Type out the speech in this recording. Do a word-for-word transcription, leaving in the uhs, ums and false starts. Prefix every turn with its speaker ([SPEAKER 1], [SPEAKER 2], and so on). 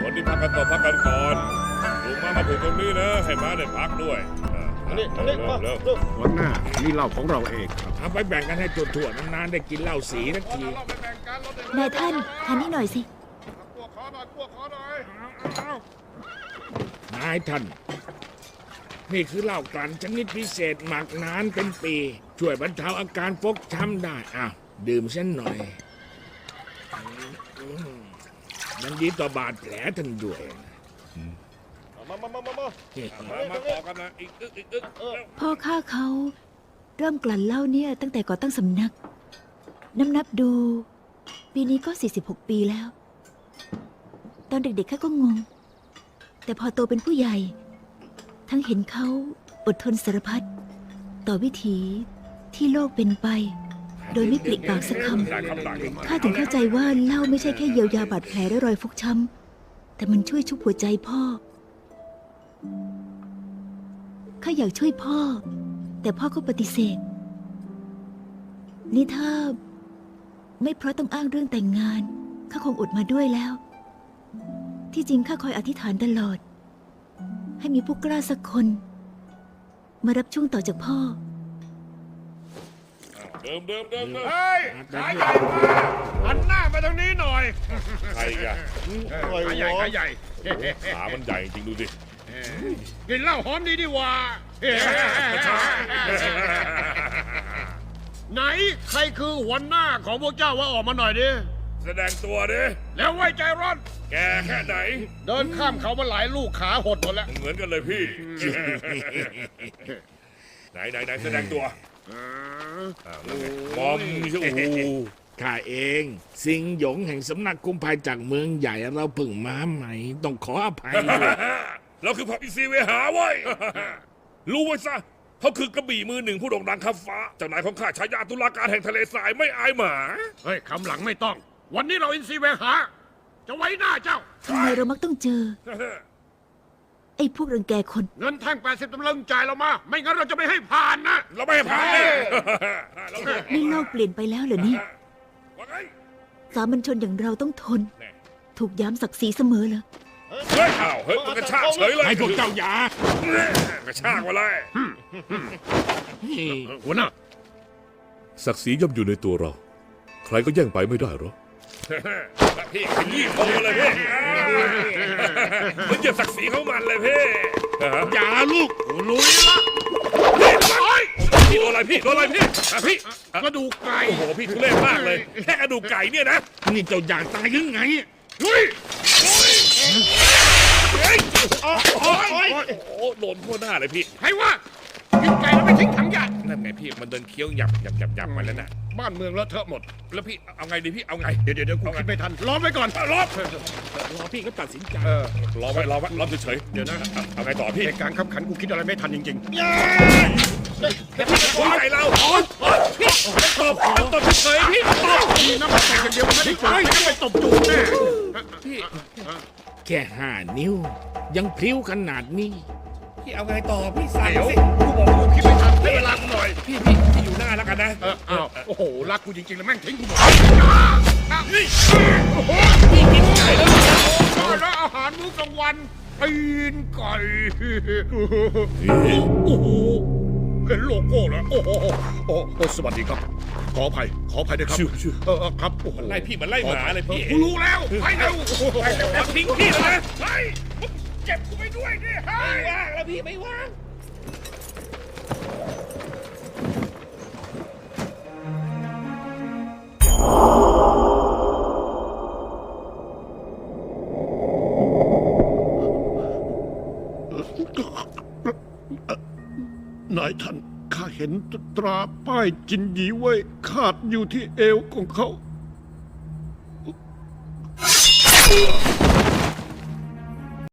[SPEAKER 1] คนที่พักกันต่อพักกันก่อนลุงมามาถึงตรงนี้นะให้ม้าได้พักด้วยอันนี้อันนี้มาเร็ว
[SPEAKER 2] หัวหน้านี่เหล้าของเราเองครับ
[SPEAKER 3] เอาไปแบ่งกันให้ทั่วๆนานๆได้กินเหล้าสีทักที
[SPEAKER 4] นายท่านทานนี่หน่อยสิ
[SPEAKER 3] นายท่าน นี่คือเหล้ากลั่นชนิดพิเศษหมักนานเป็นปี ช่วยบรรเทาอาการฟกช้ำได้อ้าวดื่มเส้นหน่อยมันดีต่อบาดแผลท่านด้วย
[SPEAKER 1] มามามามามามาต่อกันนะอีกอึกอีกอึก
[SPEAKER 4] พ่อข้าเขาเริ่มกลั่นเหล้าเนี่ยตั้งแต่ก่อตั้งสำนักนับนับดู ปีนี้ก็สี่สิบหกปีแล้ว ตอนเด็กๆข้าก็งง แต่พอโตเป็นผู้ใหญ่ ทั้งเห็นเขาอดทนสารพัดต่อวิถีที่โลกเป็นไป โดยไม่ปลิปากสักคำข้าถึงเข้าใจว่าเหล้าไม่ใช่แค่เยียวยาบาดแผลและรอยฟกช้ำแต่มันช่วยชุบหัวใจพ่อข้าอยากช่วยพ่อ แต่พ่อก็ปฏิเสธนี่ถ้าไม่เพราะต้องอ้างเรื่องแต่งงานข้าคงอดมาด้วยแล้ว ที่จริงข้าคอยอธิษฐานตลอด ให้มีผู้กล้าสักคน มารับช่วงต่อจากพ่อ
[SPEAKER 1] เดิมเดิมเดิมเดิม
[SPEAKER 5] เฮ้ยขาใหญ่มาหันหน้าไปทางนี้หน่อย
[SPEAKER 1] ใครกัน
[SPEAKER 5] ขาใหญ่ขาใหญ่
[SPEAKER 1] ขามันใหญ่จริงดูสิ
[SPEAKER 5] กินเหล้าหอมดีดีว่าไหนใครคือหัวหน้าของพวกเจ้าว่าออกมาหน่อยดิ
[SPEAKER 1] แสดงตัวดิ
[SPEAKER 5] แล้วไว้ใจร้อน
[SPEAKER 1] แกแค่ไหน
[SPEAKER 5] เดินข้ามเขามาหลายลูกขาหดหมดแล้ว
[SPEAKER 1] เหมือนกันเลยพี่ ไหนไหนไหนแสดงตัวมอมใช่โอ้โห
[SPEAKER 3] ข้าเองสิงหยงแห่งสำนักกุมภายจากเมืองใหญ่เราเพิ่งมาใหม่ต้องขออภัยด้วย
[SPEAKER 1] เราคือพระอิซีเวหาไว้ย รู้ไว้ซะเขาคือกระบี่มือหนึ่งผู้โด่งดังข้าฟ้าเจ้านายของข้าฉายาตุลาการแห่งทะเลทรายไม่อายหมา
[SPEAKER 5] เฮ้ยคำหลังไม่ต้อง วันนี้เราอินซีเวหา จะไว้หน้าเจ้า
[SPEAKER 4] ทำไมเรามักต้องเจอ ไอ้พวกรังแกคน
[SPEAKER 5] เงินแท่งแปดสิบตำลึงจ่ายเรามา ไม่งั้นเราจะไม่ให้ผ่านนะ
[SPEAKER 1] เราไม่ให้ผ่านเลยเรา
[SPEAKER 4] นี่โลกเปลี่ยนไปแล้วเหรอนี่
[SPEAKER 1] ว่าไง
[SPEAKER 4] สามัญชนอย่างเราต้องทน ถูกย้ำศักดิ์ศรีเสมอเหรอ
[SPEAKER 1] เฮ้ยอ้าวเฮ้ยมันกระชากเฉยเลย
[SPEAKER 3] ให้พวกเจ้าอย่าก
[SPEAKER 1] ระชากมาเลย
[SPEAKER 5] หัวหน้า
[SPEAKER 6] ศักดิ์ศรีย่อมอยู่ในตัวเรา ใครก็แย่งไปไม่ได้หรอก
[SPEAKER 1] พี่ขยี้คอเลยพี่มันเหยียบศักดิ์ศรีของมันเลยพี่
[SPEAKER 3] อย่าลูก
[SPEAKER 5] ลุยละ
[SPEAKER 1] พี่โดนอะไรพี่โดนอะไรพี่อ่ะพี่
[SPEAKER 5] กระดูกไก่
[SPEAKER 1] โอ้โหพี่ทุเรศมากเลยแค่กระดูกไก่เนี่ยนะ
[SPEAKER 3] นี่เจ้าอยากตายยังไง
[SPEAKER 5] ลุย
[SPEAKER 1] เฮ้ยโอ้โหโดนทั่วหน้าเลยพี่
[SPEAKER 5] ใครว่ากินไก่แล้วไม่ทิ้งถังหยาด
[SPEAKER 1] นั่นไงพี่มันเดินเคี้ยวหยับหยับหยับหยับไปแล้วน่ะ
[SPEAKER 5] บ้านเมืองเลอะเทอะหมด
[SPEAKER 1] แล้วพี่เอาไงดีพี่เอาไง
[SPEAKER 5] เดี๋ยวเดี๋ยวเดี๋ยวกูคิดไม่ทันล้อมไว้ก่อน
[SPEAKER 1] รอบ
[SPEAKER 3] รอพี่ก็ตัดสินใจ
[SPEAKER 5] เออ
[SPEAKER 1] รอไว้รอไว้รอเฉย
[SPEAKER 5] เดี๋ยวนะ
[SPEAKER 1] ๆเอาไงต่อพี่
[SPEAKER 5] ในการขับขันกูคิดอะไรไม่ทันจริง
[SPEAKER 1] วางใจเราพี่ตบตบเฉยๆพี่ตบ
[SPEAKER 5] ๆน้ำมันตกอย่างเดียวมันไม่ได้จ่ายไม่ไปตบจูบแน่
[SPEAKER 1] พี่
[SPEAKER 3] แค่ห้านิ้ว ยังพลิ้วขนาดนี้
[SPEAKER 1] พี่เอาไงต่อพี่สั่ง
[SPEAKER 5] เดี๋ยว
[SPEAKER 1] สิ
[SPEAKER 5] กูบอกกูคิดไม่ทันให้เวลากูหน่อย
[SPEAKER 1] พี่พี่พี่อยู่หน้าแล้วกันนะ
[SPEAKER 5] เอออ้าวโอ้โหรักกูจริงๆแล้วแม่งทิ้งกูหมด
[SPEAKER 1] นี่
[SPEAKER 5] โอ้โห
[SPEAKER 1] พี่กินไก่แล้ว
[SPEAKER 5] แล้วอาหารมื้อกลางวันตีนไก่โอ้โหเห็นโลโก้แล้วโอ้โหโอ้โหสวัสดีครับ ขออภัยขออภัยด้วยครับ
[SPEAKER 6] ชื่อชื่อ
[SPEAKER 5] เออเออครับโอ้โห
[SPEAKER 1] ไล่พี่มันไล่หมาเลยพี่
[SPEAKER 5] กูรู้แล้วไปเร็ว
[SPEAKER 1] ไปแล้วทิ้งพี่แล้วนะไปเจ็บกูไปด้วยดิไม่ว่างแล้วพี่ไม่ว่าง
[SPEAKER 2] นายท่านข้าเห็นตราป้ายจินหยีไว้ขาดอยู่ที่เอวของเขา